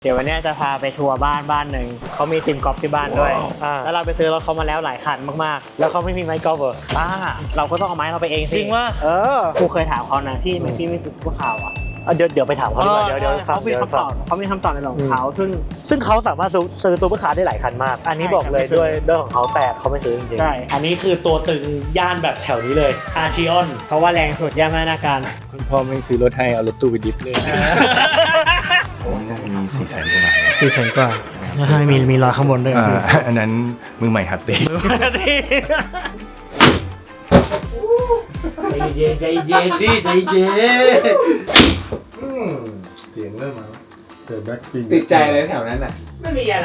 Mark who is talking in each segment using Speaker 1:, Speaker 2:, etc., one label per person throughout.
Speaker 1: เดี๋ยววันนี้จะพาไปทัวร์บ้านหนึ่งเขามีทีมกอล์ฟที่บ้านด้วยแล้วเราไปซื้อรถเขามาแล้วหลายคันมากๆแล้วเขาไม่มีไม้กอล์ฟเหรอเราก็ต้องเอาไม้เราไปเองสิ
Speaker 2: จริงว่า
Speaker 1: กูเคยถามเขานะพี่ไม่ซื้อพวกข่าวอ่ะ
Speaker 2: เดี๋ยวไปถามเขาดีกว่าเดี๋ยว
Speaker 1: เขามีคำตอบในของเขา
Speaker 2: ซึ่งเขาสามารถซื้อซูเปอร์คาร์ได้หลายคันมากอันนี้บอกเลยด้วยของเขาแต่เขาไม่ซื้อจริงๆ
Speaker 1: ใช่
Speaker 2: อันนี้คือตัวตึงย่านแบบแถวนี้เลยอาร์ชิออน
Speaker 1: เขาว่าแรงสุดย่านนาการ
Speaker 3: คุณพ่อไม่ซื้อรถให้เอารถตู้ไปดิฟเลยโอ้ยน่าจะมี400,000 กว่าบาท
Speaker 1: 400,000 กว่าใช่มีรอยข้างบนด้วย
Speaker 3: อันนั้นมือใหม่หัดตี
Speaker 2: ใจเย็นดิใจเย็น
Speaker 3: เสียงเริ่มมาเจอแบ็คสปิน
Speaker 4: ติดใจเลยแถวนั้นน่ะ
Speaker 1: ไม่มีอะไร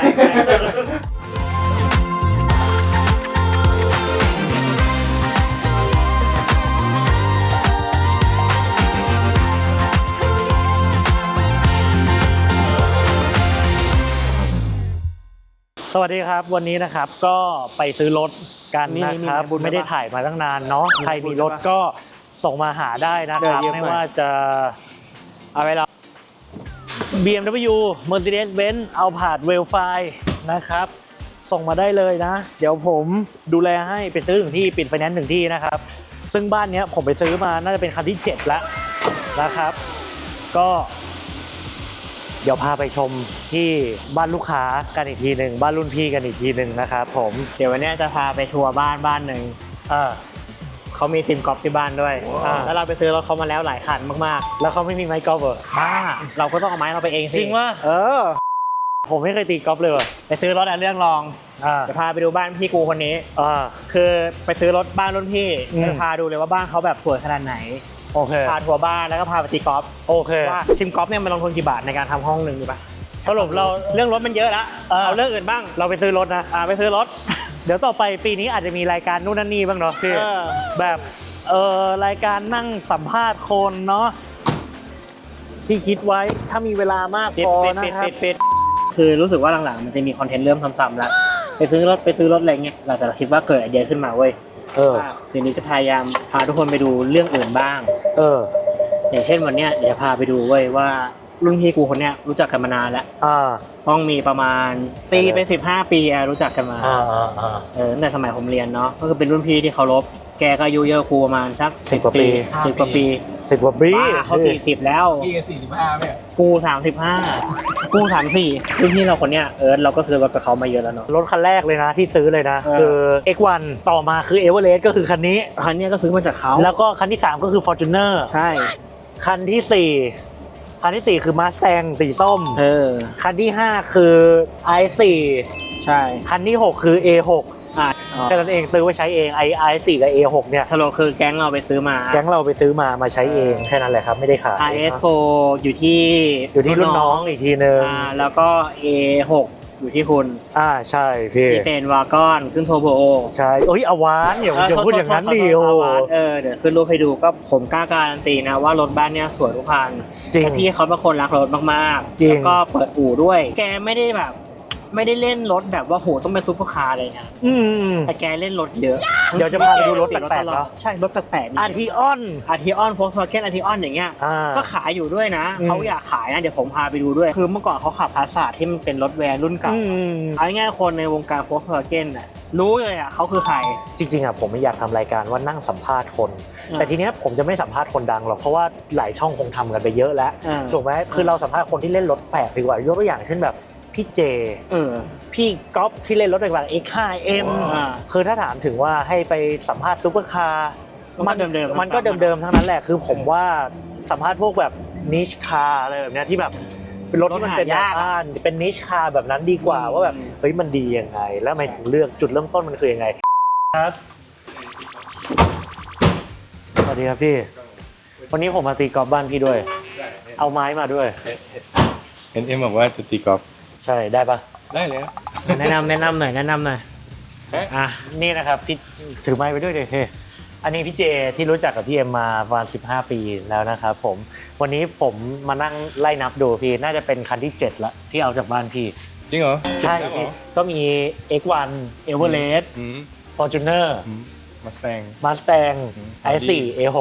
Speaker 2: สวัสดีครับวันนี้นะครับก็ไปซื้อรถกันนะครับไม่ได้ถ่ายมาตั้งนานเนาะใครมีรถก็ส่งมาหาได้นะครับไม่ว่าจะ
Speaker 1: เอาไปเรา
Speaker 2: BMW Mercedes-Benz Alphard Vellfire นะครับส่งมาได้เลยนะเดี๋ยวผมดูแลให้ไปซื้อถึงที่ปิดไฟแนนซ์ถึงที่นะครับซึ่งบ้านนี้ผมไปซื้อมาน่าจะเป็นคันที่7แล้วนะครับก็เดี๋ยวพาไปชมที่บ้านลูกค้ากันอีกทีหนึ่งบ้านรุ่นพี่กันอีกทีหนึ่งนะครับผม
Speaker 1: เดี๋ยววันนี้จะพาไปทัวร์บ้านหนึ่งเขามีทีมกอล์ฟที่บ้านด้วยแล้วเราไปซื้อรถเขามาแล้วหลายคันมาก
Speaker 2: ๆแล้วเขาไม่มีไม้กอล์ฟเหรอ
Speaker 1: เราก็ต้องเอาไม้เราไปเองสิ
Speaker 2: จริงว่าผมไม่เคยตีกอล์ฟเลย
Speaker 1: ไปซื้อรถเรื่องรองจะพาไปดูบ้านพี่กูคนนี้คือไปซื้อรถบ้านรุ่นพี่จะพาดูเลยว่าบ้านเขาแบบสวยขนาดไหน
Speaker 2: โอเค
Speaker 1: พาทัวร์บ้านแล้วก็พาไปตีกอล์ฟ
Speaker 2: โอเค
Speaker 1: ว่าทีมกอล์ฟเนี่ยมันลงทุนกี่บาทในการทำห้องหนึ่งดีป่ะ
Speaker 2: สรุปเรา
Speaker 1: เรื่องรถมันเยอะแล้วเอาเรื่องอื่นบ้าง
Speaker 2: เราไปซื้อรถนะ
Speaker 1: ไปซื้อรถ
Speaker 2: เดี๋ยวต่อไปปีนี้อาจจะมีรายการนู่นนั่นนี่บ้างเนาะคือแบบรายการนั่งสัมภาษณ์คนเนาะที่คิดไว้ถ้ามีเวลามากพอนะครับ
Speaker 1: คือรู้สึกว่าหลังๆมันจะมีคอนเทนต์เริ่มซ้ำๆแล้วไปซื้อรถอะไรเงี้ยเราจะคิดว่าเกิดไอเดียขึ้นมาเว้ยทีนี้จะพยายามพาทุกคนไปดูเรื่องอื่นบ้างอย่างเช่นวันเนี้ยเดี๋ยวพาไปดูเว้ยว่ารุ่นพี่กูคนเนี้ยรู้จักกันมานานแล้วต้องมีประมาณปีไป15 ปีรู้จักกันมาตั้งแต่สมัยผมเรียนเนาะก็คือเป็นรุ่นพี่ที่เคารพแกก็อายุเยอะกูประมาณสัก10 กว่าปี10 กว่าปีเขา40แล้ว
Speaker 4: พี่ก็45เนี่ย
Speaker 1: กู35กู34รุ่นพี่เราคนเนี้ยเราก็ซื้อรถกับเขามาเยอะแล้วเนาะ
Speaker 2: รถคันแรกเลยนะที่ซื้อเลยนะคือ X1 ต่อมาคือ Everest ก็คือคันนี้
Speaker 1: ก็ซื้อมาจากเขา
Speaker 2: แล้วก็คันที่3ก็คือ Fortuner
Speaker 1: ใช่
Speaker 2: คันที่4คือ Mustang สีส้มคันที่5คือ i4
Speaker 1: ใช่
Speaker 2: คันที่6คือ A6 แค่นั้นเองซื้อไว้ใช้เองi4 กับ A6 เนี่ย
Speaker 1: สโลคือแก๊งเราไปซื้อมา
Speaker 2: ใช้เองแค่นั้นแหละครับไม่ได้ขาย
Speaker 1: RS4 อยู่ที่
Speaker 2: รุ่นน้องอีกทีนึง
Speaker 1: แล้วก็ A6 อยู่ที่คุณ
Speaker 2: ใช่พี่
Speaker 1: ที่เป็นวากอนขึ้นโทโบ
Speaker 2: ใช่อวานอย่าพูดอย่างนั้นดิโอ
Speaker 1: เดี๋ยวขึ้นรูปให้ดูก็ผมกล้าการันตีนะว่ารถบ้านเนี้ยสวยทุกคัน
Speaker 2: จริง
Speaker 1: พี่เขาเป็นคนรักรถมากๆแล้วก็เปิดอู่ด้วยแกไม่ได้เล่นรถแบบว่าโหต้องเป็นซุปเปอร์คาร์อะไรเงี้ยแต่แกเล่นรถเยอะ
Speaker 2: เดี๋ยวจะพาไปดูรถแปลกๆเนาะ
Speaker 1: ใช่รถแปลกๆ
Speaker 2: อาร์ทิออน
Speaker 1: โฟล์คสวาเก้นอาร์ทิออนอย่างเงี้ยก็ขายอยู่ด้วยนะเขาอยากขายนะเดี๋ยวผมพาไปดูด้วยคือเมื่อก่อนเขาขับพาสซาทที่มันเป็นรถแวนรุ่นเก่าเอาง่ายๆคนในวงการโฟล์คสวาเก้นรู้เลยเขาคือใคร
Speaker 2: จริงๆผมไม่อยากทำรายการว่านั่งสัมภาษณ์คนแต่ทีเนี้ยผมจะไม่สัมภาษณ์คนดังหรอกเพราะว่าหลายช่องคงทำกันไปเยอะแล้วถูกไหมคือเราสัมภาษณ์คนที่เล่นรถแปลกดีกว่ายกตัวอย่างเช่นแบบพี่เจพี่ก๊อฟที่เล่นรถต่างๆ X5M คือถ้าถามถึงว่าให้ไปสัมภาษณ์ซุปเปอร์คาร์มันก็เดิมๆทั้งนั้นแหละคือผมว่าสัมภาษณ์พวกแบบนิชคาร์อะไรแบบนี้ที่แบบเป็นรถที่มันเป็นเป็นนิชคาร์แบบนั้นดีกว่าว่าแบบเฮ้ยมันดียังไงแล้วทำไมถึงเลือกจุดเริ่มต้นมันคือยังไงครับสวัสดีครับพี่วันนี้ผมมาตีกอล์ฟบ้านพี่ด้วยเอาไม้มาด้วย
Speaker 3: เอ็มบอกว่าจะตีกอล์ฟ
Speaker 2: ใช่ได้ปะ
Speaker 3: ได้เลย
Speaker 1: แนะนำหน่อย
Speaker 2: นี่นะครับที่ถือไม้ไปด้วยเลยอันนี้พี่เจที่รู้จักกับพี่เอ็มมาประมาณ15 ปีแล้วนะครับผมวันนี้ผมมานั่งไล่นับดูพี่น่าจะเป็นคันที่7ละที่เอาจากบ้านพี่
Speaker 3: จริงเหรอ
Speaker 2: ใช่ก็มี X1 Everest Fortuner Mustang i4 A6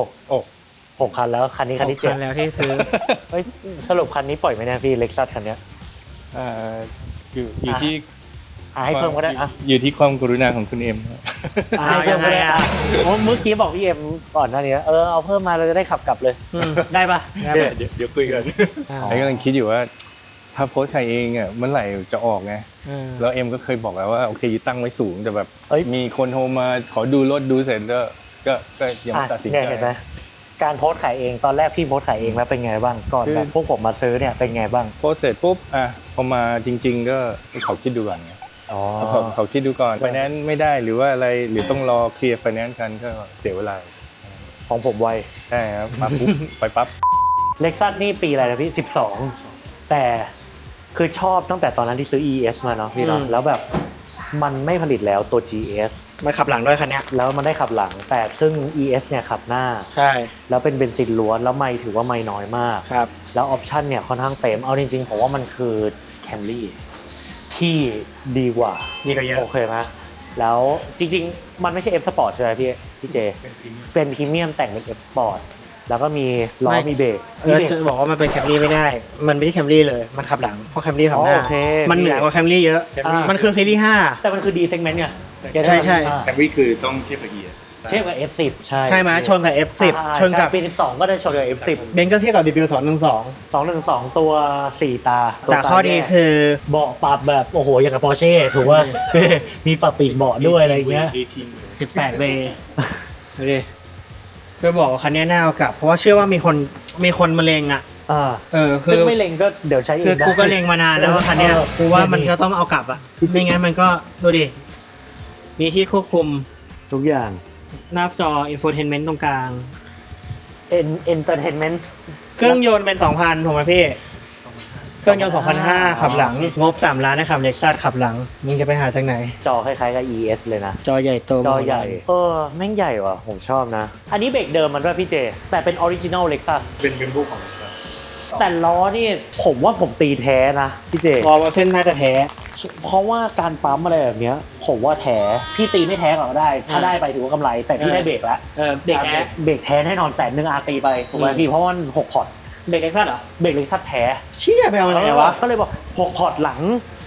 Speaker 2: 6 คันแล้วคันนี้คันที่7
Speaker 1: คันแล้วที่ซื้อ
Speaker 2: สรุปคันนี้ปล่อยไหมเนี่ยพี่ Lexus คันนี้
Speaker 3: อ่าอยู่ที่
Speaker 2: ให้เพิ่มก็ได้อ่ะ
Speaker 3: อยู่ที่ความกรุณาของคุณเอ็มครับ
Speaker 2: ให้เพิ่มก็ได้อ่ะเมื่อกี้บอกพี่เอ็มก่อนหน้านี้เอาเพิ่มมาเราจะได้ขับกลับเลยได้ปะ
Speaker 3: เดี๋ยวคุยกันไอ้กำลังคิดอยู่ว่าถ้าโพสต์ใครเองอ่ะเมื่อไหร่จะออกไงแล้วเอ็มก็เคยบอกแล้วว่าโอเคตั้งไว้สูงแต่แบบมีคนโทรมาขอดูรถดูเสร็จก็ยังไม่ตัดสินใจ
Speaker 2: เห็นไหมการโพสต์ขายเองตอนแรกพี่โพสต์ขายเองแล้วเป็นไงบ้างก่อนแบบพวกผมมาซื้อเนี่ยเป็นไงบ้าง
Speaker 3: โพสต์เสร็จปุ๊บพอมาจริง ๆ ก็เขาคิดดูก่อนไงเขาคิดดูก่อนไฟแนนซ์ไม่ได้หรือว่าอะไรหรือต้องรอเคลียร์ไฟแนนซ์กันก็เสียเวลา
Speaker 2: ของผมไว
Speaker 3: ใช่ครับมาปุ๊บไปปั๊บ
Speaker 2: เล็กซัสนี่ปีอะไรนะพี่12แต่คือชอบตั้งแต่ตอนนั้นที่ซื้อ ES มาเนาะพี่เนาะแล้วแบบมันไม่ผลิตแล้วตัว GS
Speaker 1: มาขับหลังด้วยคันนี้
Speaker 2: แล้วมันได้ขับหลังแต่ซึ่ง ES เนี่ยขับหน้า
Speaker 1: ใช่
Speaker 2: แล้วเป็นเบนซินล้วนแล้วไม่ถือว่าไม่น้อยมาก
Speaker 1: ครับ
Speaker 2: แล้วออปชั่นเนี่ยค่อนข้างเต็มเอาจริงๆผมว่ามันคือ Camry ที่ดีกว่า
Speaker 1: เยอะ
Speaker 2: โอเคไหมแล้วจริงๆมันไม่ใช่ F Sport ใช่ไหมพี่เจเป็นพรีเมียมแต่งเป็น F Sport แล้วก็มีล้อมีเบรก
Speaker 1: จะบอกว่ามันเป็นแคมรี่ไม่ได้มันไม่ใช่แคมรี่เลยมันขับหลังเพราะแคมรี่ขับหน้ามันเหนือกว่าแคมรี่เยอะมันคือซีรีส์5
Speaker 2: แต่มันคือ D segment ไง
Speaker 1: ใช่
Speaker 3: แคมรี่คือต้องเทียบกับ ES
Speaker 2: เทียบกับ F10 ใช่
Speaker 1: ไหมชนกับ F10 ชนกับ
Speaker 2: ปี12ก็ได้ชนกับ F10
Speaker 1: เบนซ์ก็เทียบกับ
Speaker 2: 212ตัว4ตา
Speaker 1: แต่ข้อดีคือ
Speaker 2: เบาะปรับแบบโอ้โหอย่างกับ Porsche ถูกว่ามีปรับปีกเบาะด้วยอะไรเงี้ย
Speaker 1: 18 เวดูดิบอกว่าคันนี้น่าเอากลับเพราะว่าเชื่อว่ามีคนมาเลงอ่ะ
Speaker 2: ซึ่งไม่เลงก็เดี๋ยวใช้
Speaker 1: คือกูก็เลงมานานแล้วว่าคันนี้กูว่ามันก็ต้องเอากลับอ่ะไม่งั้นมันก็ดูดิมีที่ควบคุม
Speaker 2: ทุกอย่าง
Speaker 1: หน้าจอ infotainment ตรงกลาง
Speaker 2: entertainment
Speaker 1: เครื่องยนต์เป็น 2,000 ถูกไหมพี่เครื่องยนต์ 2,500 ขับหลังงบต่ำล้านนะครับเล็กซัสขับหลังมึงจะไปหาจากไหน
Speaker 2: จอคล้ายๆกับ ES เลยนะ
Speaker 1: จอใหญ่โต
Speaker 2: จอใหญ่แม่งใหญ่ว่ะผมชอบนะอันนี้เบรกเดิมมันด้วยพี่เจแต่เป็นออริจินอลเล็กซัส
Speaker 3: เป็นพวกของเล็กซัส
Speaker 2: แต่ล้อนี่ผมว่าผมตีแท้นะพี่เจ
Speaker 1: เส้นน่าจะแท้
Speaker 2: เพราะว่าการปั๊มอะไรแบบเนี้ยผมว่าแท้พี่ตีไม่แท้ก็ได้ถ้าได้ไปถือว่ากำไรแต่พี่ได้เบรกแล้ว
Speaker 1: เบรก
Speaker 2: แท้แน่นอน100,000อาตีไปถูกไหมพี่เพราะว่า6พอร์ต
Speaker 1: เบรกเล็กซัสเหรอ
Speaker 2: เบรกเล็กซัสแท้
Speaker 1: เชี่ยไปเอาอะไรวะ
Speaker 2: ก็เลยบอก6พอร์ตหลัง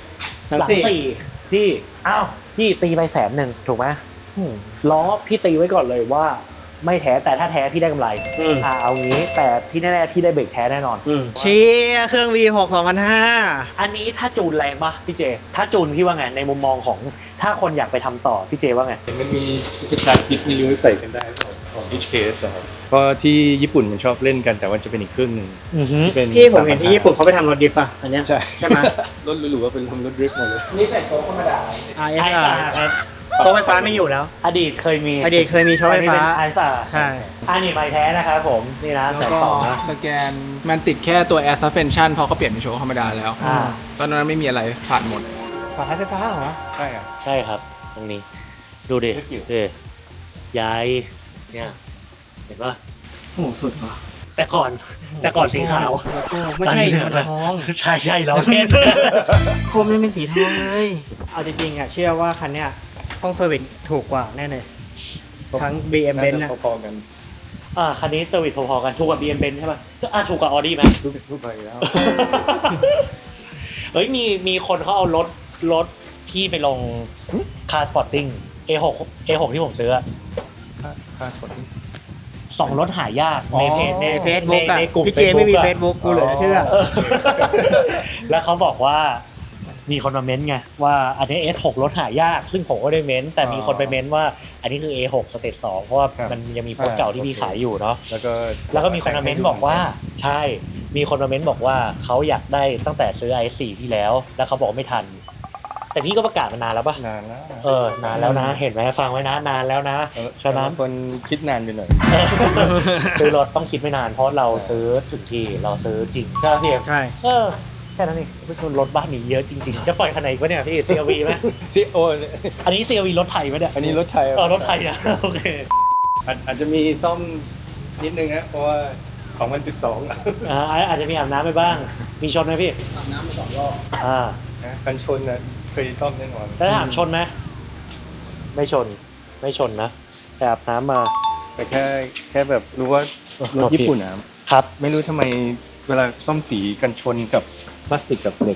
Speaker 2: 4พี่อ้าวพี่ตีไป100,000ถูกไหมล้อพี่ตีไว้ก่อนเลยว่าไม่แท้แต่ถ้าแท้พี่ได้กำไรเอางี้แต่ที่แน่ๆพี่ได้เบรกแท้แน่นอน
Speaker 1: เชี่ยเครื่อง V6 2,500
Speaker 2: อันนี้ถ้าจูนแรงปะพี่เจถ้าจูนพี่ว่าไงในมุมมองของถ้าคนอยากไปทำต่อพี่เจว่าไง
Speaker 3: มันมีสตาร์ทคิดไม่รู้ใส่กันได้ของ HKS ครับเพราะที่ญี่ปุ่นมันชอบเล่นกันแต่ว่าจะเป็นอีกเครื่องนึง
Speaker 1: พี่ผมเห็นที่ญี่ปุ่นเขาไปทำรถดริฟต์ป่ะอันนี้ใช่ไหม
Speaker 3: รถหรูๆว่าเป็นรถดริฟต์หมดเลย
Speaker 4: นี่แต่โชว์ธรรมดา
Speaker 1: ครับโชว์ไฟฟ้าไม่อยู่แล้ว
Speaker 2: อดีตเคยมี
Speaker 1: โชว์ไฟฟ้า
Speaker 2: ไอซ่า
Speaker 1: ใช่
Speaker 2: อันนี้ไม่แท้นะครับผมนี่นะ120,000นะ
Speaker 4: สแกนมันติดแค่ตัว Air Suspension เพราะเขาเปลี่ยนเป็นโชว์ธรรมดาแล้วตอนนั้นไม่มีอะไรผ่านหมด
Speaker 1: ผ่านไฟฟ้าเหรอ
Speaker 3: ใช่ครับ
Speaker 2: ใช่ครับตรงนี้ดูดิใหญ่เนี่ยเห็นป่ะ
Speaker 1: โอ้สุดว่ะ
Speaker 2: แต่ก่อนสีขาว
Speaker 1: ไม่ใช่ทอง
Speaker 2: ใช่เราเล่น
Speaker 1: โคมนี่เป็นสีทองเลยเอาจริงๆอ่ะเชื่อว่าคันเนี้ยต้องเซอร์วิสถูกกว่าแน่เลยทั้ง BM Benz นะ
Speaker 3: พอๆกัน
Speaker 2: คันนี้เซอร์วิสพอๆกันถูกกว่า BM Benz ใช่ป่ะถูกกว่า Audi ไหม
Speaker 3: ถูกไปแล้ว
Speaker 2: เฮ้ยมีคนเขาเอารถที่ไปลง Car Spotting A6 ที่ผมซื้อ
Speaker 3: Car Spotting
Speaker 2: 2 รถหายากในเพจ
Speaker 1: ในเฟซบุ๊กในกลุ่มพี่เจไม่มีเฟซบุ๊กกูเลยเชื่อ
Speaker 2: แล้วเขาบอกว่ามีคนมาเม้นไงว่าอันนี้ S6 รถหายากซึ่งผมก็ได้เม้นแต่มีคนไปเม้นว่าอันนี้คือ A6 สเตจ2เพราะว่ามันยังมีโปรเก่าที่พี่ขายอยู่เนาะแล้วก็มีคนมาเม้นบอกว่าใช่มีคนมาเม้นบอกว่าเขาอยากได้ตั้งแต่ซื้อ i4 ที่แล้วเขาบอกไม่ทันแต่พี่ก็ประกาศมานานแล้วป่ะ
Speaker 3: นานแล้ว
Speaker 2: นานแล้วนะเห็นไหมฟังไว้นะนานแล้วนะฉะนั้น
Speaker 3: คนคิดนานไปหน่อย
Speaker 2: ซื้อรถต้องคิดไม่นานเพราะเราซื้อถึงทีเราซื้อจริงใช่พี่
Speaker 1: ใช่
Speaker 2: แค่นั้นเองไม่ชนรถบ้านนี้เยอะจริงๆจะปล่อยคันไหนวะเนี่ยพี่ CRV ไหมอันนี้ CRV รถไทยไหมเนี่ย
Speaker 3: อันนี้รถไทย
Speaker 2: รถไทยอ่ะโอเค
Speaker 3: อาจจะมีซ่อมนิดนึงนะเพราะว่า2012
Speaker 2: อาจจะมีอาบน้ำไปบ้างมีชนไหมพี่
Speaker 4: อาบน้ำไป2 รอบ
Speaker 3: กันชนนะเคยซ่อมแน่นอน
Speaker 2: แล้วถามชนไหมไม่ชนนะแต่อาบน้ำมา
Speaker 3: แต่แค่แบบรู้ว่ารถญี่ปุ่นนะครับไม่รู้ทำไมเวลาซ่อมสีกันชนกับพลาสติกกับเหล็ก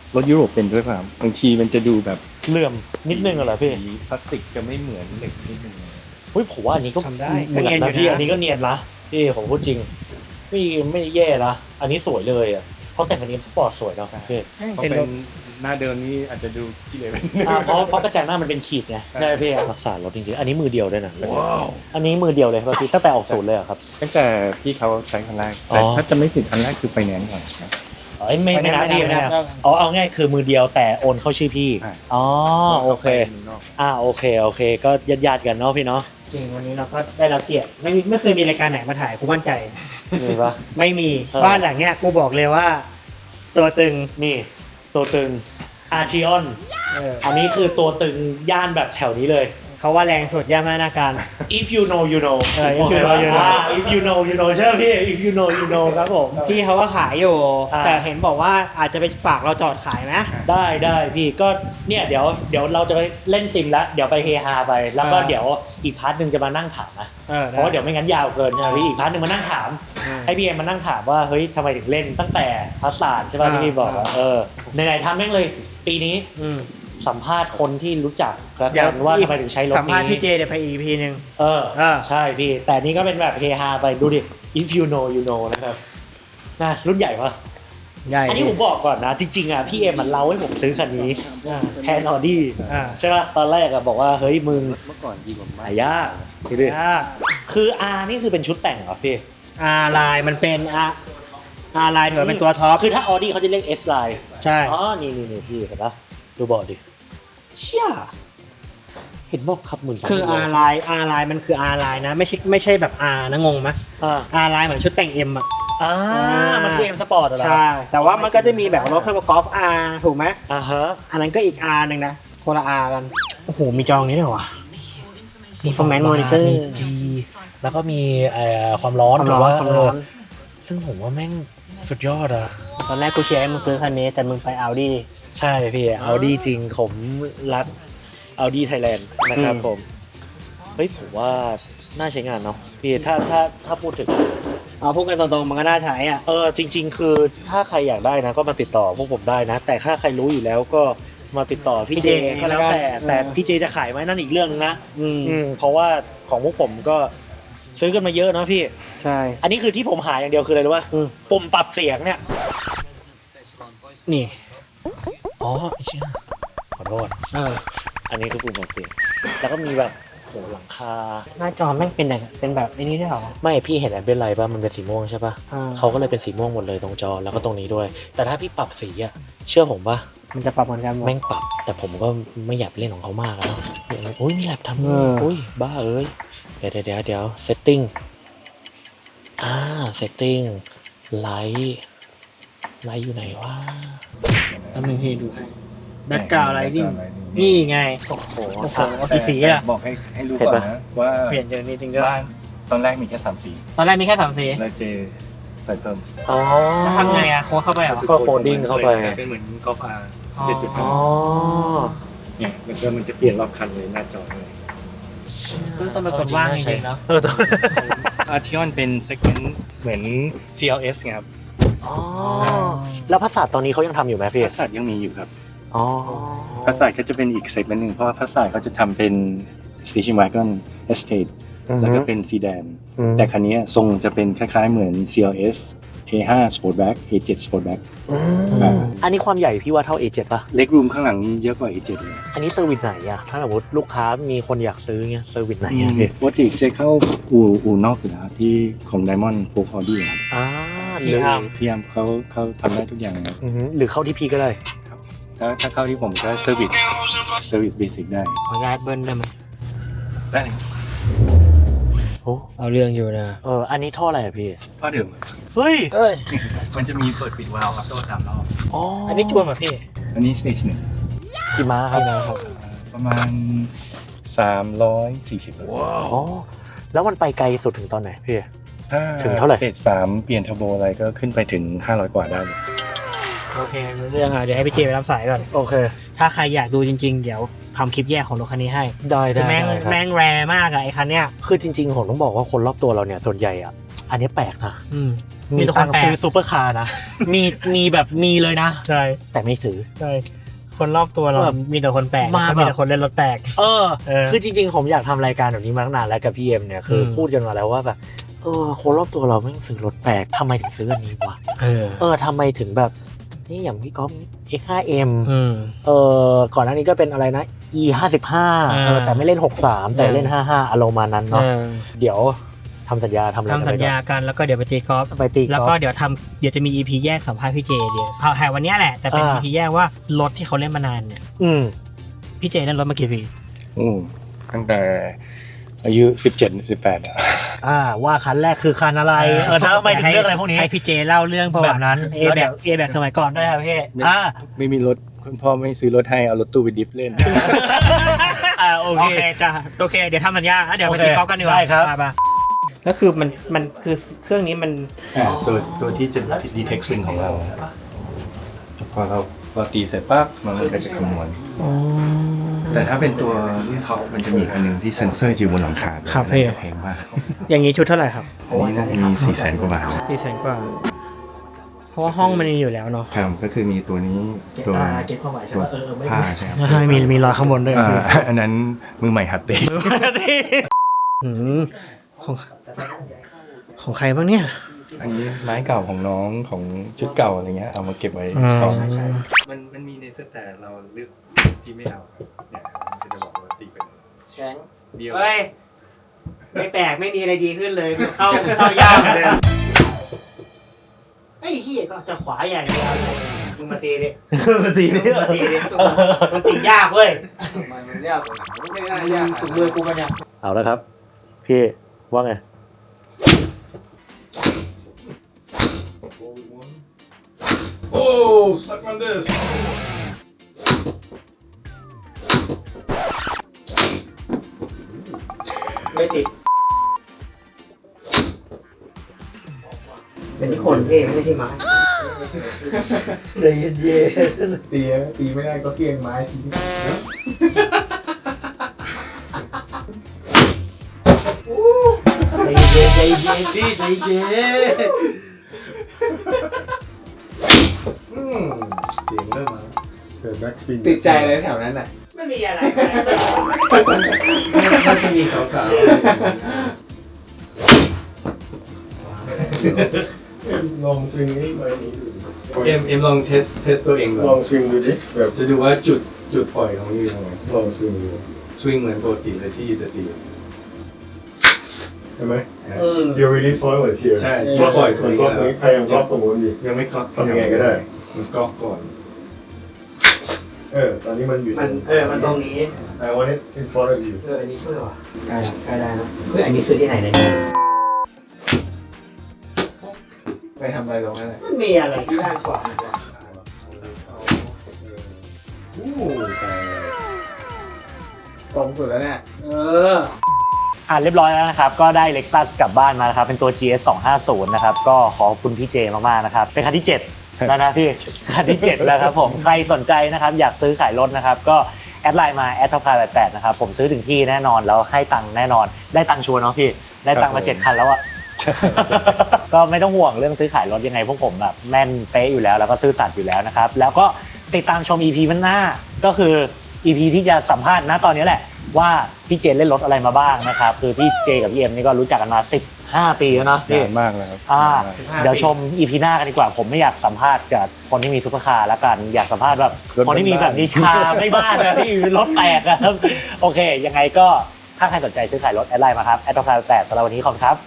Speaker 3: รถยุโรปเป็นด้วยป่ะบางทีมันจะดูแบบ
Speaker 2: เหลื่อมนิดนึงเหรอพี่
Speaker 3: สีพลาสติกจะไม่เหมือนเหล็กนิดนึง
Speaker 2: เฮ้ยผมว่าอันนี้ก็
Speaker 1: ทำได้
Speaker 2: เหมือนนะพี่อันนี้ก็เนียนนะพี่ผมพูดจริงไม่แย่นะอันนี้สวยเลยอ่ะเพราะแต่งเป็นเอ็มสปอร์ตสวยเนาะพี่
Speaker 3: เพราะ
Speaker 1: เป็น
Speaker 3: เป็
Speaker 1: ร
Speaker 3: น
Speaker 1: ถ
Speaker 3: หน้าเดิมนี่อาจจะดูขี้เหร่ไป
Speaker 2: เพราะกระจังหน้ามันเป็นขีดไงได้พี่รักษารถจริงๆอันนี้มือเดียวด้วยนะอันนี้มือเดียวเลยครับพี่ตั้งแต่ออกศูนย์เลยเหรอครับ
Speaker 3: ตั้งแต่ที่เขาใช้คันแรก
Speaker 2: อ๋อ
Speaker 3: แต่ถ้าจะไม่ผิดคันแรกคือไฟแนนซ์ก่อนครับ
Speaker 2: ไม่นับไม่นับเอาง่ายคือมือเดียวแต่โอนเข้าชื่อพี่
Speaker 3: อ่า
Speaker 2: อ๋อโอเคโอเคก็ญาติกันเนาะพี่เนาะ
Speaker 1: จริงวันนี้เราก็ได้รับเกียรติไม่เคยมีรายการไหนมาถ่ายกูมั่นใจ
Speaker 2: มีปะ
Speaker 1: ไม่มี
Speaker 2: เออ
Speaker 1: บ้านหลังเนี้ยกูบอกเลยว่า ตัวตึง
Speaker 2: นี่ตัวตึงอาร์จิออน อันนี้คือตัวตึงย่านแบบแถวนี้เลย
Speaker 1: เขาว่าแรงสุดย่ามานาการ
Speaker 2: if you know you know
Speaker 1: if you know you know
Speaker 2: if you know you know ใช่ไหมพี่ if you know you know ครับผม
Speaker 1: พี่เขาก็ขายอยู่
Speaker 2: อ่า
Speaker 1: แต่เห็นบอกว่าอาจจะไปฝากเราจอดขายไหม
Speaker 2: ได้พี่ก็เนี่ยเดี๋ยวเราจะไปเล่นซิมแล้วเดี๋ยวไปเฮฮาไป แล้วก็เดี๋ยวอีกพาร์ทหนึ่งจะมานั่งถามนะ เพราะว่าเดี๋ยวไม่งั้นยาวเกินใช่ไหมพี่อีกพาร์ทหนึ่งมานั่งถาม ให้พี่เอ็มมานั่งถามว่าเฮ้ยทำไมถึงเล่นตั้งแต่พัสสาดใช่ป่ะที่พี่บอกว่าไหนๆทำแม่งเลย ปีนี้สัมภาษณ์คนที่รู้จักแล้วกันว่าทำไมถึงใช้รถนี้
Speaker 1: สัมภาษณ์พี่เจเดี๋ยวไปอีกพีนึง
Speaker 2: ใช่พี่แต่นี่ก็เป็นแบบเฮฮาไปดูดิ if you know you know นะครับน่ารุ่นใหญ่ปะ
Speaker 1: ใหญ่
Speaker 2: อันนี้ผมบอกก่อนนะจริงๆอ่ะพี่เอ็มมันเล่าให้ผมซื้อคันนี้แทนออดี้ใช่ป่ะตอนแรกอ่ะบอกว่าเฮ้ยมึง
Speaker 3: เมื่อก่อนดีกว่า
Speaker 2: หายากพี่ดิคือ R นี่คือเป็นชุดแต่งเหรอพี่
Speaker 1: ลายมันเป็นลายถือว่าเป็นตัวท็อป
Speaker 2: คือถ้าออดี้เขาจะเรียก S line
Speaker 1: ใช่
Speaker 2: อ๋อนี่พี่เห็นปะดูบอร์ดดิเชี่ยเห็นบอกครับ12,000
Speaker 1: คือลายมันคือลายนะไม่ใช่แบบ R นะงงไหมลายเหมือนชุดแต่ง M อ่ะ
Speaker 2: มันคือ M Sport เหรอ
Speaker 1: ใช่แต่ว่ามันก็จะมีแบบรถเครื่องประกอบ R ถูกไหม
Speaker 2: ฮะ
Speaker 1: อันนั้นก็อีก R หนึ่งนะคนละ R กันโอ้โหมีจองนี้ด้วยวะมี Performance Monitor
Speaker 2: มี G แล้วก็มีความร้อน
Speaker 1: ความร้อนความร้อน
Speaker 2: ซึ่งผมว่าแม่งสุดยอดอะ
Speaker 1: ตอนแรกกูเชียร์ให้มึงซื้อคันนี้แต่มึงไป Audi
Speaker 2: ใช่พี่ Audi จริงผมรัก Audi Thailand นะครับผม เฮ้ยผมว่าน่าใช้งานเนาะพี่ถ้าพูดถึง
Speaker 1: เอาพูดกันตรงๆมันก็น่าใช้อ่ะ
Speaker 2: จริง ๆ คือถ้าใครอยากได้นะก็มาติดต่อพวกผมได้นะ แต่ถ้าใครรู้อยู่แล้วก็มาติดต่อพี่เจก็แล้วแต่พี่เจจะขายไหมนั่นอีกเรื่องนึงนะเพราะว่าของพวกผมก็ซื้อกันมาเยอะเนาะพี่
Speaker 1: ใช่
Speaker 2: อันนี้คือที่ผมหาอย่างเดียวคืออะไรรู้ป่ะปุ่มปรับเสียงเนี่ย
Speaker 1: นี่
Speaker 2: อ๋อไอ้เชี่ยขอโทษอันนี้คือปุ่มปรับเสียงแล้วก็มีแบบโหหลังคา
Speaker 1: หน้าจอแม่งเป็นแบบไอ้นี้ด้วยเหรอ
Speaker 2: ไม่พี่เห็นอันเป็นไรป่ะมันเป็นสีม่วงใช่ป่ะ
Speaker 1: อ่า
Speaker 2: เขาก็เลยเป็นสีม่วงหมดเลยตรงจอแล้วก็ตรงนี้ด้วย แต่ถ้าพี่ปรับสีอะเชื่อผมป่ะ
Speaker 1: มันจะปรับเหมือนกันหมด
Speaker 2: แม่งปรับ แต่ผมก็ไม่อยากเล่นของเขามากอะเนาะอุ้ยมีแลบทำ
Speaker 1: อืม
Speaker 2: อุ้ยบ้าเอ้ยเดี๋ยวเซตติ้งเซตติ้งไลท์อยู่ไหนวะ
Speaker 1: แล้วมึงให้ดูให้แบ็คกราวด์ไลท์นี่ไงโอ้โหกี่สีอ่ะ
Speaker 3: บอกให้รู้ก่อนนะว่า
Speaker 1: เปลี่ยนจากนี้จริงก็
Speaker 3: บ้านตอนแรกมีแค่3 สี
Speaker 1: ตอนแรกมีแค่3 สี
Speaker 3: แล้วเจใส่เพิ่ม
Speaker 2: อ๋อ
Speaker 1: แล้วทำไงอ่ะโค้ดเข้าไปเหรอ
Speaker 2: ก็โคดดิ้งเข้าไป
Speaker 3: เป็นเหมือนกอล์ฟอาร์
Speaker 1: อ๋อ
Speaker 3: 7.5เนี่ยมันจะเปลี่ยนรอบคันเลยหน้าจอเลย
Speaker 1: ก็ต้องเป็นคนว่างจริงๆเนาะ
Speaker 3: อาร์ทิออนเป็นเซกเมนต์เหมือน CLS ไงครับ
Speaker 2: อ๋อแล้วภาษาตอนนี้เขายังทำอยู่ไหมพี่
Speaker 3: พัสสัตยังมีอยู่ครับ
Speaker 2: อ๋อ
Speaker 3: พัสสัตก็จะเป็นอีกเซกเมนต์หนึ่งเพราะว่าพัสสัตเขาจะทำเป็น Station Wagon Estate แล้วก็เป็นซีแดนแต่คันนี้ทรงจะเป็นคล้ายๆเหมือน CLS A5 Sportback A7 Sportback
Speaker 2: อันนี้ความใหญ่พี่ว่าเท่า A7 ป่ะ
Speaker 3: เล็กรูมข้างหลังนี้เยอะกว่า A7 เลย
Speaker 2: อันนี้เซอร์วิสไหนอะถ้าสมมติลูกค้ามีคนอยากซื้อเงี้ยเซอร์วิสไหนอะพี่
Speaker 3: ปกติจะเข้าอู่นอกอยู่แล้วที่ของ Diamond Folk Audi ครับ
Speaker 2: หรือ
Speaker 3: พี่ยามเขาทำได้ทุกอย่างนะครับ
Speaker 2: หรือเข้าที่พี่ก็ได้
Speaker 3: ถ้าเข้าที่ผมก็เซอร์วิสเบสิกได้
Speaker 1: ขอย้ายเบิ้ลได้ไหม
Speaker 3: ได้
Speaker 2: โอ้
Speaker 1: เอาเรื่องอยู่นะ
Speaker 2: อันนี้ท่ออะไรอะพี่
Speaker 3: ท่อเดิม
Speaker 2: เฮ้ย
Speaker 3: มันจะมีเปิดปิดวาล์วครับตัวตามรอบ
Speaker 2: อ๋อ
Speaker 1: อันนี้จวนป่ะพี่
Speaker 3: อันนี้สเตจหนึ่ง
Speaker 2: กี่ม้าครับ
Speaker 3: ประมาณ340
Speaker 2: อ๋อแล้วมันไปไกลสุดถึงตอนไหนพี่
Speaker 3: ถ้า
Speaker 2: ถึงเท่าไหร่
Speaker 3: สเตจ3เปลี่ยนเทอร์โบอะไรก็ขึ้นไปถึง500กว่าได้เลย
Speaker 1: โอเครู้เรื่องเดี๋ยวให้พี่เจไปรับสายก่อน
Speaker 2: โอเค
Speaker 1: ถ้าใครอยากดูจริงๆเดี๋ยวทำคลิปแยกของรถคันนี้ให้
Speaker 2: ได้
Speaker 1: คือแม่ง
Speaker 2: ครับ
Speaker 1: แรมากอะไอ้คันเนี้ย
Speaker 2: คือจริงๆผมต้องบอกว่าคนรอบตัวเราเนี่ยส่วนใหญ่อะอันนี้แปลกนะ
Speaker 1: มีแต่คนแปลก
Speaker 2: ซื้อซูเปอร์คาร์นะ มีแบบมีเลยนะ
Speaker 1: ใช่
Speaker 2: แต่ไม่ซื้อ
Speaker 1: ใช่คนรอบตัวเรา
Speaker 2: แบบ
Speaker 1: มีแต่คนแปลก
Speaker 2: มา
Speaker 1: แล้วก็
Speaker 2: แบบ
Speaker 1: มีแต่คนเล่นรถแปลก
Speaker 2: เออ
Speaker 1: เออ
Speaker 2: คือจริงๆผมอยากทำรายการแบบนี้มาตั้งนานแล้วกับพี่เอ็มเนี่ยคืออ
Speaker 1: ม
Speaker 2: พูดกันมาแล้วว่าแบบคนรอบตัวเราไม่งซื้อรถแปลกทำไมถึงซื้ออันนี้วะ ทำไมถึงแบบนี่อย่างพี่ก๊อฟ X5M ก่อนหน้านี้ก็เป็นอะไรนะ E55 แต่ไม่เล่น 63 แต่เล่น 55 อารมณ์มานั้นเนาะเดี๋ยวทำสัญญาทำอะไรกัน
Speaker 1: ทำสัญญากันแล้วก็เดี๋ยวไปตีกอล์ฟ
Speaker 2: ไปตี
Speaker 1: แล้ว
Speaker 2: กอ
Speaker 1: ก็
Speaker 2: ล์ฟ
Speaker 1: เดี๋ยวจะมี EP แยกสัมภาษณ์พี่เจเดี๋ยวถ่ายวันเนี้ยแหละแต่เป็น EP แยกว่ารถที่เขาเล่นมานานเนี่ยพี่เจเล่นรถมากี่ปี
Speaker 3: ตั้งแต่อายุ17-18
Speaker 2: ว่าคันแรกคือคันอะไรถ้าไม่ถึงเรื่องอะไรพวกนี้
Speaker 1: ให้พี่เจเล่าเรื่องประวัติ
Speaker 2: แบบนั้น
Speaker 1: เอแบกสมัยก่อนด้วยครับพี่
Speaker 3: ไม่มีรถคุณพ่อไม่ซื้อรถให้เอารถตู้ไปดิฟเล่น
Speaker 2: โอ
Speaker 1: โอ
Speaker 2: เค
Speaker 1: เคจ้ะโอเคเดี๋ยวทำสัญญาแล้วเดี๋ยวไปตีกอล์ฟกันดีกว่า
Speaker 2: ได้ครับ
Speaker 1: ไปแล้วคือมันคือเครื่องนี้มัน
Speaker 3: ตัวที่จะ detect swing ของเราพอเราตีเสร็จปั๊บมันก็จะคำนวณแต่ถ้าเป็นตัวรุ่นท็อปมันจะมีอันหนึ่งที่เซ็นเซอร์อยู่บนหลังคาด้วย
Speaker 1: ครับพี่
Speaker 3: แพงมาก
Speaker 1: อย่างนี้ชุดเท่าไหร่ครับ
Speaker 3: อันนี้น่าจะมี400,000 กว่าบาท
Speaker 1: 400,000 กว่าเพราะว่าห้องมันมีอยู่แล้วเนาะ
Speaker 3: ครับก็คือมีตัวนี้ตัว
Speaker 2: เก็บความหมายใช่
Speaker 3: ตัว
Speaker 2: ปะไม่
Speaker 3: ผ้าใช่ครับ
Speaker 1: ใช่มีรอยข้างบนด้วย
Speaker 3: อันนั้นมือใหม่หัดเตะ
Speaker 1: อืมของใครบ้างเนี่ย
Speaker 3: อันนี้ไม้เก่าของน้องของชุดเก่าอะไรเงี้ยเอามาเก็บไว้
Speaker 1: อ๋อ
Speaker 3: ซ้อมมันมีในเซตแต่เราเลือกที่ไม่เอาเนี่ยมันจะบอกว่าตีเป็น
Speaker 2: แช้ง
Speaker 3: เดียว
Speaker 1: เฮ้ยไม่แปลกไม่มีอะไรดีขึ้นเลยเข้ายากเลยไอ้เหี้ยก็จะขวาอย่างเดียวมึงมาตีดิมันตียากเว้ย
Speaker 4: มันยากกว่าไม่ได้ยาก
Speaker 1: ถูกมือกูปะเนี่ย
Speaker 2: เอาแล้วครับพี่ว่าไง
Speaker 3: โอ้สักมันเดส
Speaker 1: ไม่ติดเป็นที่คนพี่ไม่ใช่ที่ไม้
Speaker 2: ใจเย็น
Speaker 4: ตีไม่ได้ก็เฟี้ยงไม้ที
Speaker 1: ใจเย็นพี่ใจเย็น
Speaker 3: เสียงเริ่มมาเกิดแบ็กสปิน
Speaker 4: ติดใจเลยแถวนั้นน่ะ
Speaker 1: ไม่มีอะไร
Speaker 3: น่าจะมีสาวๆลองสวิงนี่ไปเอ็มลองเทสตัวเองลองสวิงดูดิแบบจะดูว่าจุดปล่อยของอยู่ตรงไหนลองสวิงดูสวิงเหมือนปกติเลยที่จะตีใช่ไหม
Speaker 5: You release point เลยที
Speaker 3: ใช่
Speaker 5: ก็ปล่อย
Speaker 3: ตัว
Speaker 5: ก็
Speaker 3: นี้
Speaker 5: พยายามล็อกตรงนู้นดิ
Speaker 3: ยังไม่ก๊อก
Speaker 5: ทำยังไงก็ได้
Speaker 3: มันก๊อกก่อน
Speaker 5: ตอนนี้มันอยู่
Speaker 1: มันตรงนี้
Speaker 5: I want it in front of you
Speaker 1: อันนี้ช่วยว่ะใกล้ได้นะเฮ้ยอันนี้ซื้อที่ไหนเนี่ย
Speaker 4: ไปทำอะไรตรงนั้นน่ะ
Speaker 1: มันมีอะไรที่ด้านขวา
Speaker 4: ตรงสุดแล้วเนี่ย
Speaker 2: เรียบร้อยแล้วนะครับก็ได้ Lexus กลับบ้านมานะครับเป็นตัว GS 250นะครับก็ขอบคุณพี่เจมากๆนะครับเป็นคันที่7แล้วนะพี่คันที่7แล้วครับผมใครสนใจนะครับอยากซื้อขายรถนะครับก็แอดไลน์มา@topcar88นะครับผมซื้อถึงที่แน่นอนแล้วให้ตังค์แน่นอนได้ตังค์ชัวร์เนาะพี่ได้ตังค์มา7คันแล้วอะ ก็ไม่ต้องห่วงเรื่องซื้อขายรถยังไงพวกผมแบบแม่นเป๊ะอยู่แล้วแล้วก็ซื่อสัตย์อยู่แล้วนะครับแล้วก็ติดตามชม EP มันหน้าก็คือ EP ที่จะสัมภาษณ์ณตอนนี้แหละว่าพี่เจเล่นรถอะไรมาบ้างนะครับคือพี่เจกับพี่เอ็มนี่ก็รู้จักกันมา15 ปีแล้วเนาะพี่
Speaker 3: นานมากแล้วครับ
Speaker 2: เดี๋ยวชม EP หน้ากันดีกว่าผมไม่อยากสัมภาษณ์กับคนที่มีซุปเปอร์คาร์แล้วกันอยากสัมภาษณ์แบบคนที่มีแบบนิชาไม่บ้านนะที่รถแตกอะครับโอเคยังไงก็ถ้าใครสนใจซื้อขายรถแอดไลน์มาครับ@topcar88สำหรับวันนี้ขอบคุณครับ